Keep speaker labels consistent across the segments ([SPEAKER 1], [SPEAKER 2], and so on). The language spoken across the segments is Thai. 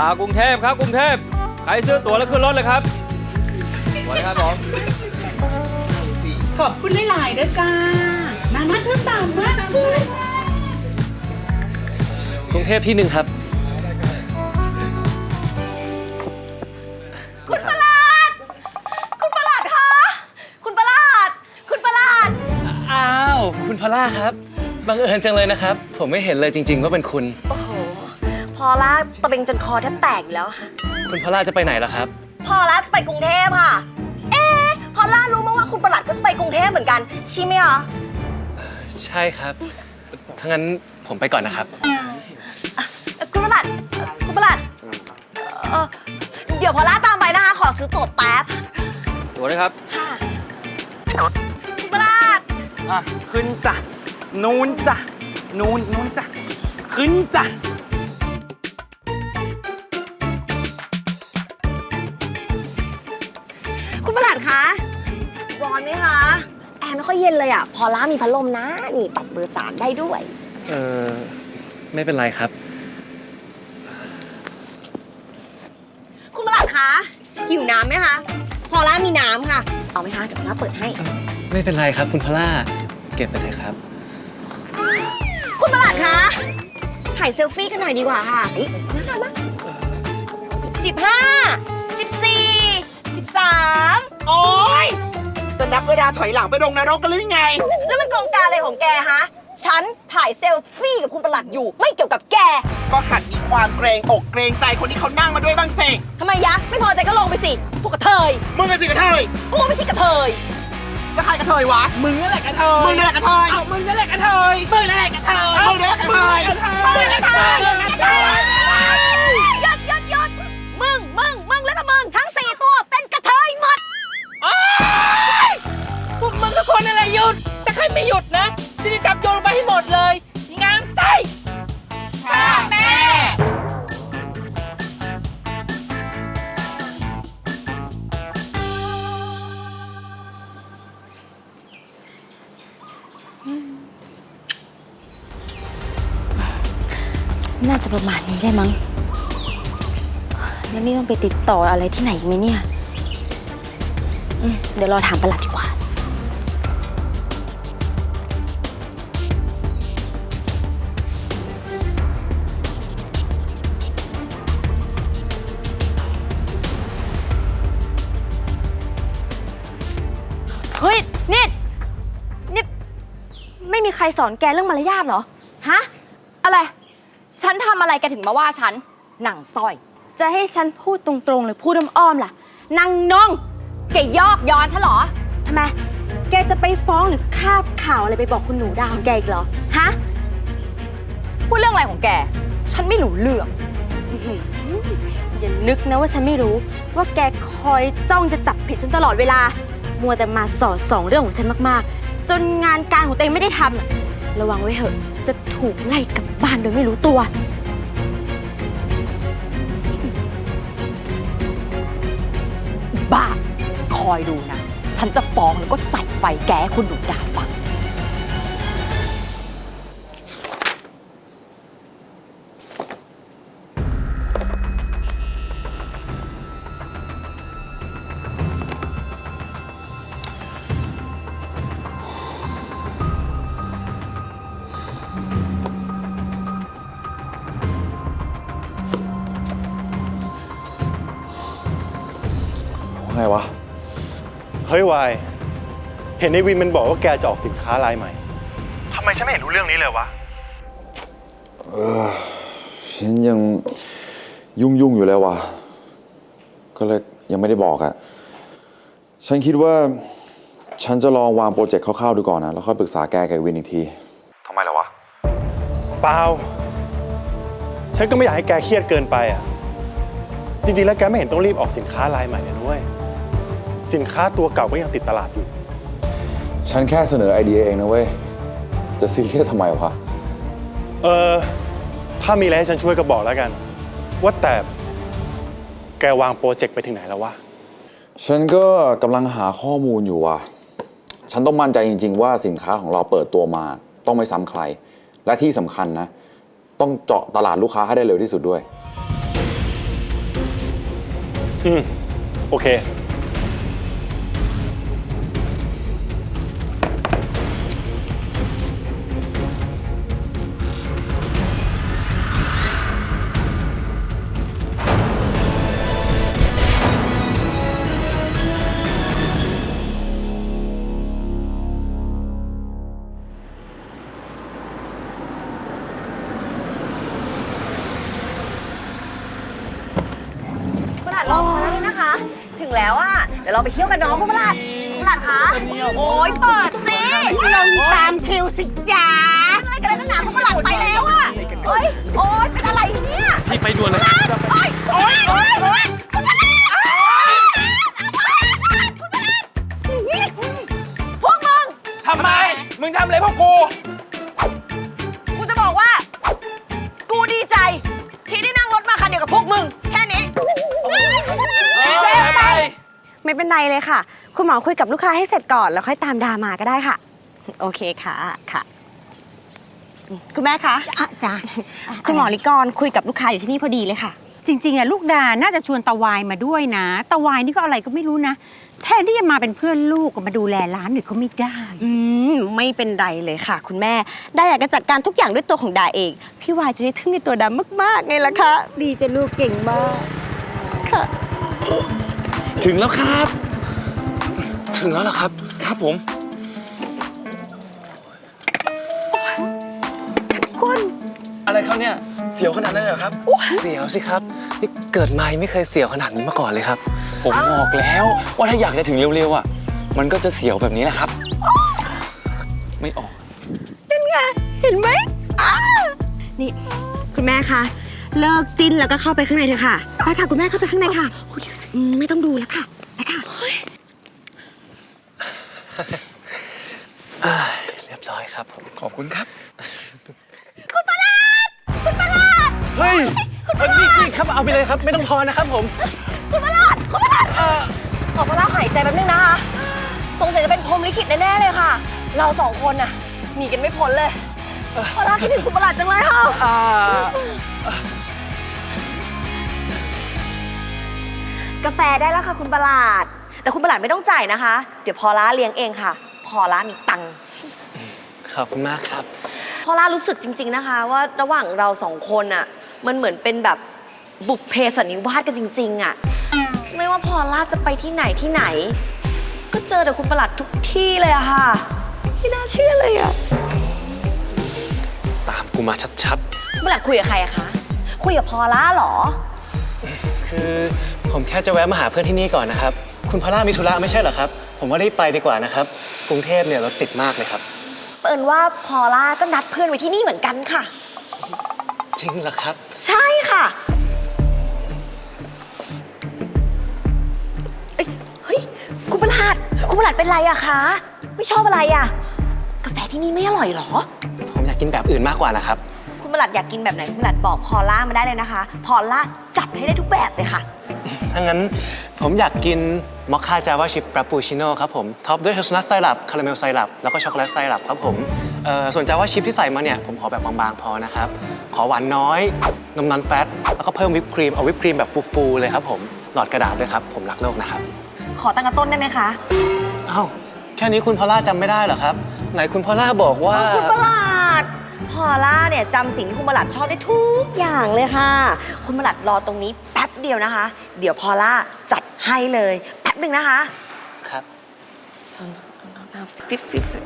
[SPEAKER 1] กรุงเทพครับกรุงเทพใครซื้อตั๋วแล้วขึ้นรถเลยครับสวัสดีครับผม
[SPEAKER 2] ขอบคุณหลายๆนะจ้ามาเธอตามมากเลย
[SPEAKER 3] กรุงเทพที่1ครับ
[SPEAKER 4] คุณประหลาดคุณประหลาดคะคุณประหลาดคุณประหลาด
[SPEAKER 3] อ้าวคุณพอลล่าครับบังเอิญจังเลยนะครับผมไม่เห็นเลยจริงๆว่าเป็นคุณ
[SPEAKER 4] โอ้โหพอล่าตะเบงจนคอแทบแตกอยู่แล้วค่ะ
[SPEAKER 3] คุณพอลล่าจะไปไหนล่ะครับ
[SPEAKER 4] พอล่าจะไปกรุงเทพค่ะพอล่ารู้มาว่าคุณประหลัดก็จะไปกรุงเทพเหมือนกันใช่ไหมคะ
[SPEAKER 3] ใช่ครับถ้างั้นผมไปก่อนนะครับ
[SPEAKER 4] คุณประหลัดคุณประหลัดเดี๋ยวพอล่าตามไปนะคะขอซื้อตั๋วแป๊บ
[SPEAKER 1] ตั๋วด้วยครับ
[SPEAKER 4] ค่ะคุณประหลัด
[SPEAKER 2] ขึ้นจ้ะนู้นจ้ะนู้นจ้ะขึ้นจ้ะ
[SPEAKER 4] คุณประหลัดคะร้อนไหมคะแอร์ไม่ค่อยเย็นเลยอ่ะพอล่ามีพัดลมนะนี่ปรับเบอร์3ได้ด้วย
[SPEAKER 3] ไม่เป็นไรครับ
[SPEAKER 4] คุณประหลัดคะหิวน้ำไหมคะพอล่ามีน้ำค่ะเอาไหมคะเดี๋ยวพอล่าเปิดให้
[SPEAKER 3] ไม่เป็นไรครับคุณพอลล่าเก็บไปเถอะครับ
[SPEAKER 4] คุณประหลัดคะถ่ายเซลฟี่กันหน่อยดีกว่าค่ะมา13
[SPEAKER 2] โอ๊ยจะนับเวลาถอยหลังไปลงนรกกันหรือไง
[SPEAKER 4] แล้วมันกองการอะไรของแกฮะฉันถ่ายเซลฟี่กับคุณประหลัดอยู่ไม่เกี่ยวกับแก
[SPEAKER 2] ก็หัดมีความเกรงอกเกรงใจคนที่เขานั่งมาด้วยบ้างสิ
[SPEAKER 4] ทำไมยะไม่พอใจก็ลงไปสิพวกกระเทย
[SPEAKER 2] มึงกันสิกระเทย
[SPEAKER 4] กูไม่ใช่กระเทย
[SPEAKER 2] ก็ใครกระเทยวะ
[SPEAKER 5] มึงนั่นแหละกระเทย
[SPEAKER 2] มึงนั่นแหละกระเทย
[SPEAKER 5] มึงนั่นแหละกระเทย
[SPEAKER 2] มึงนั่นแหละกระเทยมึงนั่นแหละกระเทยมึงนั่นแหละกระเทย
[SPEAKER 4] หยุดมึงแล้วก็มึงทั้ง4ตัวเป็นกระเทยหมด
[SPEAKER 5] พวกมึงทุกคนอะไรหยุดถ้าใครไม่หยุดนะจะจับโยนลงไปให้หมดเลยงามไส้
[SPEAKER 2] ค่ะแม่
[SPEAKER 4] น่าจะประมาณนี้ได้มั้งแล้วนี่ต้องไปติดต่ออะไรที่ไหนอีกไหมเนี่ยเดี๋ยวรอถามประหลัดดีกว่าเฮ้ยนี่ไม่มีใครสอนแกเรื่องมารยาทเหรอฮะอะไรฉันทำอะไรแกถึงมาว่าฉันหนังสร้อยจะให้ฉันพูดตรงๆหรือพูดอ้อมๆล่ะนางน้องแกยอกย้อนฉันเหรอทำไมแกจะไปฟ้องหรือคาบข่าวอะไรไปบอกคุณหนูดาวของแกอีกเหรอฮะพูดเรื่องอะไรของแกฉันไม่รู้เรื่องอย่านึกนะว่าฉันไม่รู้ว่าแกคอยจ้องจะจับผิดฉันตลอดเวลามัวแต่มาสอดส่องเรื่องของฉันมากๆจนงานการของตัวเองไม่ได้ทำระวังไว้เถอะจะถูกไล่กลับบ้านโดยไม่รู้ตัวอีบ้าคอยดูนะฉันจะฟ้องแล้วก็ใส่ไฟแกให้คุณหนูดาฟัง
[SPEAKER 6] ไงวะเฮ้ยวายเห็นในวินมันบอกว่าแกจะออกสินค้ารายใหม่ทำไมฉันไม่เห็นรู้เรื่องนี้เลยวะ
[SPEAKER 7] ฉันยังยุ่งอยู่แล้ววะก็เลยยังไม่ได้บอกอะฉันคิดว่าฉันจะลองวางโปรเจกต์คร่าวๆดูก่อนนะแล้วค่อยปรึกษาแกกับวินอีกทีทำไมล่ะวะ
[SPEAKER 6] เปล่าฉันก็ไม่อยากให้แกเครียดเกินไปอะจริงๆแล้วแกไม่เห็นต้องรีบออกสินค้ารายใหม่เลยด้วยสินค้าตัวเก่าก็ยังติดตลาดอยู่
[SPEAKER 7] ฉันแค่เสนอไอเดียเองนะเว้ยจะซีเรียสทำไมวะ
[SPEAKER 6] ถ้ามีอะไรให้ฉันช่วยก็บอกแล้วกันว่าแต่แกวางโปรเจกต์ไปถึงไหนแล้ววะ
[SPEAKER 7] ฉันก็กำลังหาข้อมูลอยู่ว่ะฉันต้องมั่นใจจริงๆว่าสินค้าของเราเปิดตัวมาต้องไม่ซ้ำใครและที่สำคัญนะต้องเจาะตลาดลูกค้าให้ได้เร็วที่สุดด้วย
[SPEAKER 6] โอเค
[SPEAKER 4] คุณหลาดรอมาแล้วนะคะ ถึงแล้วอ่ะ เดี๋ยวเราไปเที่ยวกันเนาะคุณหลาดคะโอ้ยเปิดสิลงตามคิวสิจ้าอะไรกันเลยนักหนาคุณหลาดไปแล้วอ่ะโอ้ยเป็นอะไรเนี่ย
[SPEAKER 1] ให้ไปด่วนเลย
[SPEAKER 4] โอ้ยคุณหลาดพวกมึง
[SPEAKER 1] ทำไม มึงทำอะไรพวกกู
[SPEAKER 4] กูจะบอกว่า กูดีใจ ที่ได้นั่งรถมาคันเดียวกับพวกมึง แค่นี้
[SPEAKER 1] ไป
[SPEAKER 8] ไม่เป็นไรเลยค่ะ คุณหมอคุยกับลูกค้าให้เสร็จก่อนแล้วค่อยตามดามาก็ได้ค่ะ โอเคค่ะค่ะ คุณแม่คะ
[SPEAKER 9] จ้ะ
[SPEAKER 8] คุณหมอลิกรคุยกับลูกค้าอยู่ที่นี่พอดีเลยค่ะ
[SPEAKER 9] จริงๆอะลูกดาน่าจะชวนตาวายมาด้วยนะตาวายนี่ก็อะไรก็ไม่รู้นะแทนที่จะมาเป็นเพื่อนลูกก็มาดูแลร้านหน่อยก็ไม่ได้
[SPEAKER 8] ไม่เป็นไรเลยค่ะ คุณแม่ดาอยากจะจัดการทุกอย่างด้วยตัวของดาเองพี่วายจะได้ทึ่งในตัวดามากๆไงล่ะคะ
[SPEAKER 9] ดีจะลูกเก่งมาก
[SPEAKER 8] ค่ะ
[SPEAKER 3] ถึงแล้วครับ ถึงแล้วเหรอครับ
[SPEAKER 1] ครับผม
[SPEAKER 3] อะไรครับเนี่ย เสียวขนาดนั้นเลยเหรอครับ เสียวสิครับ นี่เกิดมายังไม่เคยเสียวขนาดนี้มาก่อนเลยครับ
[SPEAKER 7] ผมบอกแล้วว่าถ้าอยากจะถึงเร็วๆอ่ะ มันก็จะเสียวแบบนี้แหละครับ ไม่ออก
[SPEAKER 8] เห็นไหมนี่คุณแม่คะเลิกจิ้นแล้วก็เข้าไปข้างในเถอะค่ะไปค่ะคุณแม่เข้าไปข้างในค่ะไม่ต้องดูแล้วค่ะไปค่ะ
[SPEAKER 3] เรียบร้อยครับผม
[SPEAKER 7] ขอบคุณครับ
[SPEAKER 3] เฮ้ยนี่ครับเอาไปเลยครับ ไม่ต้องทอนนะครับผม
[SPEAKER 4] ขอพระราหายใจแป๊บนึงนะคะสงสัยจะเป็นพรหมลิขิตแน่ๆเลยค่ะ เราสองคนน่ะหนีกันไม่พ้นเลยพระราคิดถึงคุณประหลาดจังเลยค่ะกาแฟได้แล้วค่ะคุณประหลาด แต่คุณประหลาดไม่ต้องจ่ายนะคะ เดี๋ยวพอล่าเลี้ยงเองค่ะ พอล่ามีตังค์
[SPEAKER 3] ขอบคุณมากครับ
[SPEAKER 4] พอล่ารู้สึกจริงๆนะคะ ว่าระหว่างเราสองคนอ่ะมันเหมือนเป็นแบบบุพเพสันนิวาสกันจริงๆอ่ะไม่ว่าพอล่าจะไปที่ไหน ก็เจอแต่คุณประหลัดทุกที่เลยอะค่ะไม่น่าเชื่อเลยอะ
[SPEAKER 3] ตามกูมาชัด
[SPEAKER 4] คุณประหลัดคุยกับใครอะคะคุยกับพอล่าเหรอ
[SPEAKER 3] ๆ คือผมแค่จะแวะมาหาเพื่อนที่นี่ก่อนนะครับ คุณพอลล่ามีธุระไม่ใช่เหรอครับ ผมว่ารีบไปดีกว่านะครับ กรุงเทพเนี่ยรถติดมากเลยครับ
[SPEAKER 4] เปิ่นว่าพอล่าก็นัดเพื่อนไว้ที่นี่เหมือนกันค่ะ
[SPEAKER 3] จริงเหรอครับ
[SPEAKER 4] ใช่ค่ะเฮ้ยคุณประหลัดเป็นไรอะคะไม่ชอบอะไรอะกาแฟที่นี่ไม่อร่อยเหรอ
[SPEAKER 3] ผมอยากกินแบบอื่นมากกว่านะครับ
[SPEAKER 4] คุณประหลัดอยากกินแบบไหนคุณประหลัดบอกพอล่ามาได้เลยนะคะ พอล่าจัดให้ได้ทุกแบบเลยค่ะ
[SPEAKER 3] ถ้างั้นผมอยากกินมอคค่าจาวาชิพฟรปปูชิโน่ครับผมท็อปด้วยเฮลซนัทไซรัปคาราเมลไซรัปแล้วก็ช็อกโกแลตไซรัปครับผมส่วนจาวาชิพที่ใส่มาเนี่ยผมขอแบบบางๆพอนะครับ ขอหวานน้อยนมนอนแฟตแล้วก็เพิ่มวิปครีมเอาวิปครีมแบบฟูๆเลยครับผมหลอดกระดาษด้วยครับผมรักโลกนะครับ
[SPEAKER 4] ขอตั้งกระต้นได้ไหมคะ
[SPEAKER 3] อ้าวแค่นี้คุณพอลล่าจำไม่ได้เหรอครับไหนคุณพอลล่าบอกว่า
[SPEAKER 4] คุณประหลัดพอล่าเนี่ยจำสิ่งที่คุณประหลัดชอบได้ทุกอย่างเลยค่ะ คุณประหลัดรอตรงนี้แป๊บเดียวนะคะ เดี๋ยวพอล่าจัดให้เลยแป๊บหนึ่งนะคะ
[SPEAKER 3] ครับ
[SPEAKER 4] ฟิฟ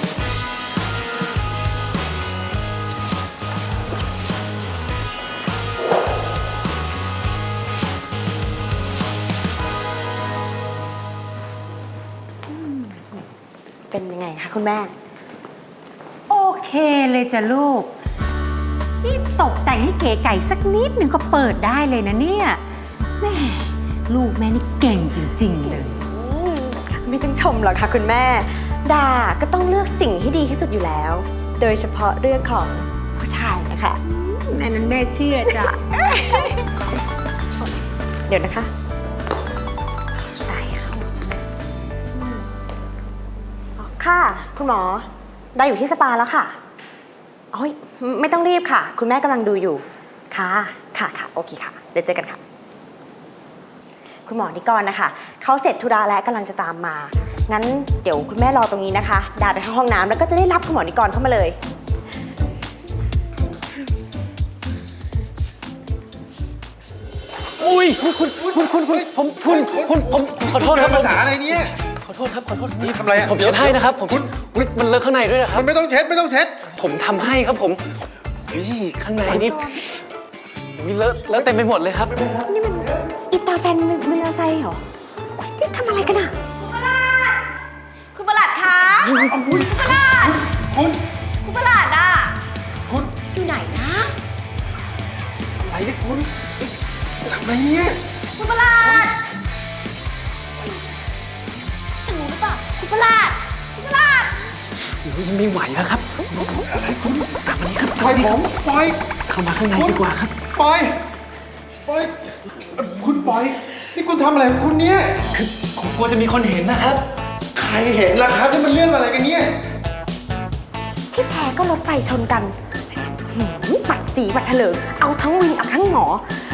[SPEAKER 8] เป็นยังไงคะคุณแม่
[SPEAKER 9] โอเคเลยจ้ะลูกนี่ตกแต่งให้เก๋ไก่สักนิดหนึ่งก็เปิดได้เลยนะเนี่ยแม่ลูกแม่นี่เก่งจริงๆเลย
[SPEAKER 8] ไม่ต้องชมหรอกค่ะคุณแม่ ดาก็ต้องเลือกสิ่งที่ดีที่สุดอยู่แล้ว โดยเฉพาะเรื่องของผู้ชายนะคะ
[SPEAKER 9] แม่นั้นแม่เชื่อจ้ะ
[SPEAKER 8] เดี๋ยวนะคะใส่เข้าค่ะ คุณหมอได้อยู่ที่สปาแล้วค่ะโอ้ยไม่ต้องรีบค่ะ คุณแม่กำลังดูอยู่ค่ะค่ะโอเคค่ะเดี๋ยวเจอกันค่ะคุณหมอนิกรนะคะเขาเสร็จธุระและกำลังจะตามมา งั้นเดี๋ยวคุณแม่รอตรงนี้นะคะ ดาไปเข้าห้องน้ำแล้วก็จะได้รับคุณหมอนิกรเข้ามาเลย
[SPEAKER 3] อุ้ยคุณผมขอโทษครับ
[SPEAKER 6] ภาษาอะไรเนี่ย
[SPEAKER 3] ขอโทษครับขอโทษ
[SPEAKER 6] นี่ทำอะไรอ่ะ
[SPEAKER 3] ผมเช็ดให้นะครับผมอุ๊ยมันเลอะข้างในด้วยนะครับ
[SPEAKER 6] มันไม่ต้องเช็ดไม่ต้องเช็ด
[SPEAKER 3] ผมทำให้ครับผมอุ๊ยข้างในนี่อุ๊ยเลอะเต็มไปหมดเลยครับ
[SPEAKER 8] นี่มันอีตาแฟนมันอาไซเหรออุ๊ยนี่ทำอะไรกันอะคุณประหลัดคะคุณประหลัด คุณประหลัดอะ
[SPEAKER 6] คุณ
[SPEAKER 8] อยู่ไหนนะ
[SPEAKER 6] อะไรเนี่ยคุณทำอะไรเนี่ย
[SPEAKER 8] คุณประหลัดจะรู้หรือเปล่าคุณประหลัดคุณประหลัด
[SPEAKER 3] อุ๊ยไม่ไหวแล้วครับ ตามมานี่ครับ
[SPEAKER 6] ปล่อยผมปล่อย
[SPEAKER 3] เข้ามาข้างในดีกว่าครับ
[SPEAKER 6] ปล่อยคุณปล่อยนี่คุณทำอะไรของคุณเนี่ย
[SPEAKER 3] คือผมกลัวจะมีคนเห็นนะครับ
[SPEAKER 6] ใครเห็นล่ะครับนี่มันเรื่องอะไรกันเนี่ย
[SPEAKER 8] ที่แพ้ก็รถไฟชนกันบัดสีบัดเถลิงเอาทั้งวินเอาทั้งหมอ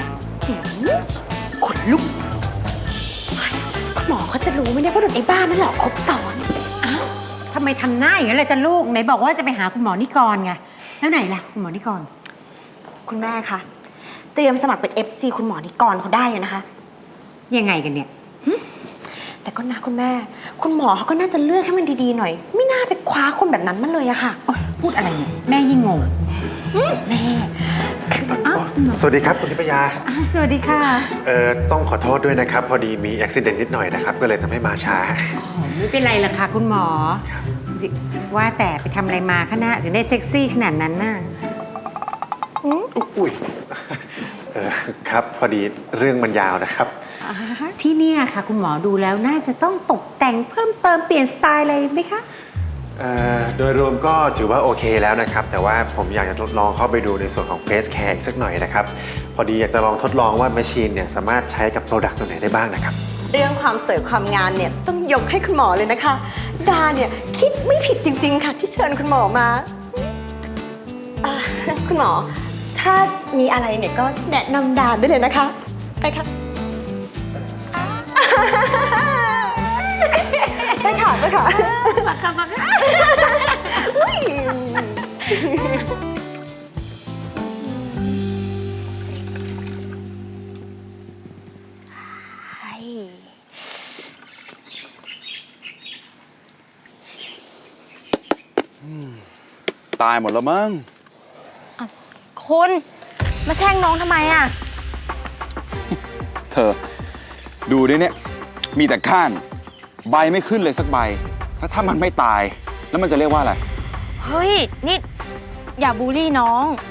[SPEAKER 8] ขนลุกเฮ้ยคุณหมอเขาจะรู้ไหมเนี่ยว่าโดนไอ้บ้านนั่นหลอกครบซ้อน
[SPEAKER 9] อ้าวทำไมทำหน้าอย่างนั้นเลยจ้ะลูกไหนบอกว่าจะไปหาคุณหมอนิกรไง แล้วไหนล่ะคุณหมอนิกร
[SPEAKER 8] คุณแม่คะเตรียมสมัครเป็น FC คุณหมอนิกรเขาได้เลยนะคะ
[SPEAKER 9] ยังไงกันเนี่ย
[SPEAKER 8] แต่ก็นะคุณแม่ คุณหมอเขาก็น่าจะเลือกให้มันดีๆหน่อย ไม่น่าไปคว้าคนแบบนั้นมาเลยอะค่ะ
[SPEAKER 9] พูดอะไรเนี่ย แม่ยิ่งงง
[SPEAKER 8] แม่คือ
[SPEAKER 6] สวัสดีครับคุณทิพยา
[SPEAKER 9] สวัสดีค่ะ
[SPEAKER 6] ต้องขอโทษด้วยนะครับ พอดีมีอุบิเหตุนิดหน่อยนะครับ ก็เลยทำให้มาช้า
[SPEAKER 9] ไม่เป็นไรหรอกค่ะคุณหมอ ว่าแต่ไปทำอะไรมาคะนะถึงได้เซ็กซี่ขนาดนั้นน่ะ
[SPEAKER 6] อุ้ยครับ พอดีเรื่องมันยาวนะครับ
[SPEAKER 9] ที่เนี่ยค่ะ คุณหมอดูแล้วน่าจะต้องตกแต่งเพิ่มเติมเปลี่ยนสไตล์อะไรไหมคะ
[SPEAKER 6] โดยรวมก็ถือว่าโอเคแล้วนะครับ แต่ว่าผมอยากจะทดลองเข้าไปดูในส่วนของ Face Care อีกสักหน่อยนะครับ พอดีอยากจะลองทดลองว่าแมชชีนเนี่ยสามารถใช้กับโปรดักต์ตัวไหนได้บ้างนะครับ
[SPEAKER 8] เรื่องความสวยความงามเนี่ยต้องยกให้คุณหมอเลยนะคะ ดาเนี่ยคิดไม่ผิดจริง ๆ ค่ะ ที่เชิญคุณหมอมาคุณหมอ ถ้ามีอะไรเนี่ยก็แนะนำดาได้เลยนะคะ ไปค่ะ ไปค่ะไปค่ะมาค่ะมาค่ะอุ้ย
[SPEAKER 7] ตายหมดแล้วมั้ง
[SPEAKER 4] คุณมาแช่งน้องทำไมอ่ะ
[SPEAKER 7] เธอ ดูดิเนี่ย มีแต่ก้าน ใบไม่ขึ้นเลยสักใบ แล้วถ้ามันไม่ตาย แล้วมันจะเรียกว่าอะไร
[SPEAKER 4] เฮ้ย นี่ อย่าบูลลี่น้อง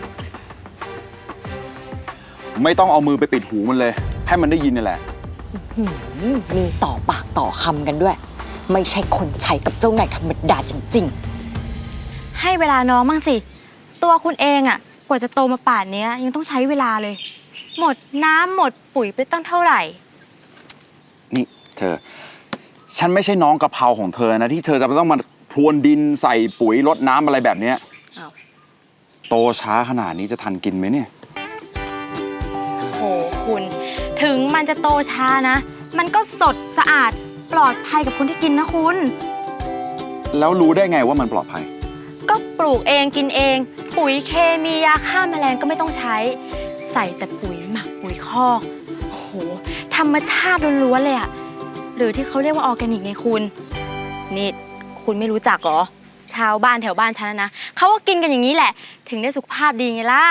[SPEAKER 7] ไม่ต้องเอามือไปปิดหูมันเลย ให้มันได้ยินนี่แหละ
[SPEAKER 10] มีต่อปากต่อคำกันด้วย ไม่ใช่คนใช้กับเจ้านายธรรมดาจริง
[SPEAKER 4] ให้เวลาน้องบ้างสิ ตัวคุณเองอ่ะ กว่าจะโตมาป่านนี้ยังต้องใช้เวลาเลย หมดน้ำหมดปุ๋ยไปตั้งเท่าไหร่
[SPEAKER 7] นี่เธอ ฉันไม่ใช่น้องกะเพราของเธอนะ ที่เธอจะต้องมาพรวนดินใส่ปุ๋ยรดน้ำอะไรแบบเนี้ย
[SPEAKER 4] อ้าว
[SPEAKER 7] โตช้าขนาดนี้จะทันกินไหมเนี่ย
[SPEAKER 4] โหคุณ ถึงมันจะโตช้านะ มันก็สดสะอาดปลอดภัยกับคนที่กินนะคุณ
[SPEAKER 7] แล้วรู้ได้ไงว่ามันปลอดภัย
[SPEAKER 4] ก็ปลูกเองกินเอง ปุ๋ยเคมียาฆ่าแมลงก็ไม่ต้องใช้ ใส่แต่ปุ๋ยหมักปุ๋ยคอกโอ้โหธรรมชาติล้วนๆเลยอะหรือที่เขาเรียกว่าออร์แกนิกไงคุณนี่คุณไม่รู้จักเหรอ ชาวบ้านแถวบ้านฉันนะเขาก็กินกันอย่างนี้แหละ ถึงได้สุขภาพดีไงล่ะ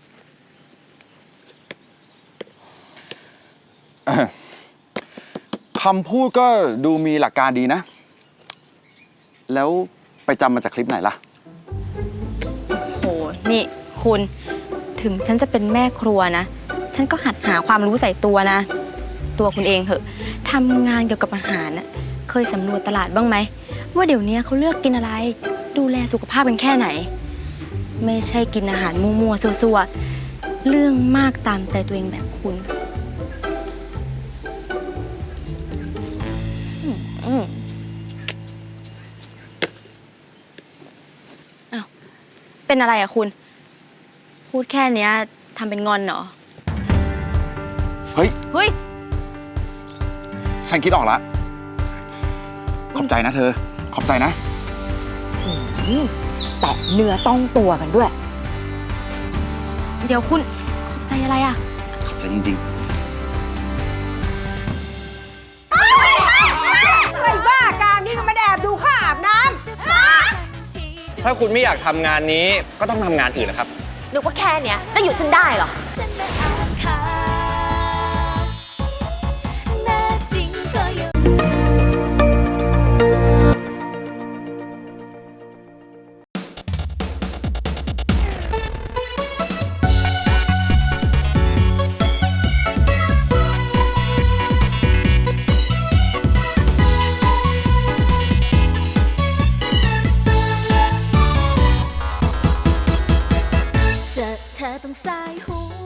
[SPEAKER 7] คำพูดก็ดูมีหลักการดีนะ แล้วไปจำมาจากคลิปไหนล่ะ
[SPEAKER 4] โห นี่คุณ ถึงฉันจะเป็นแม่ครัวนะ ฉันก็หัดหาความรู้ใส่ตัวนะ ตัวคุณเองเหอะทำงานเกี่ยวกับอาหารน่ะเคยสำรวจตลาดบ้างไหม ว่าเดี๋ยวนี้เขาเลือกกินอะไร ดูแลสุขภาพกันแค่ไหน ไม่ใช่กินอาหารมั่วๆซัวๆ เรื่องมากตามใจตัวเองแบบคุณอ้าวเป็นอะไรอะคุณ พูดแค่เนี้ยทำเป็นงอนเหรอ
[SPEAKER 7] เฮ้ย
[SPEAKER 4] เฮ้ย
[SPEAKER 2] ฉันคิดออกแล้ว ขอบใจนะเธอ ขอบใจนะ
[SPEAKER 10] แต่เนื้อต้องตัวกันด้วย
[SPEAKER 4] เดี๋ยวคุณขอบใจอะไรอะ
[SPEAKER 2] ขอบใจจริง
[SPEAKER 8] ไอ้บ้าการนี่ก็มาแอบดูข้าอาบน้
[SPEAKER 3] ถ้าคุณไม่อยากทำงานนี้ก็ต้องทำงานอื่นนะครับ
[SPEAKER 4] นึกว่าแค่เนี้ยจะหยุดฉันได้เหรอ
[SPEAKER 11] เจอเธอต้องสายหัว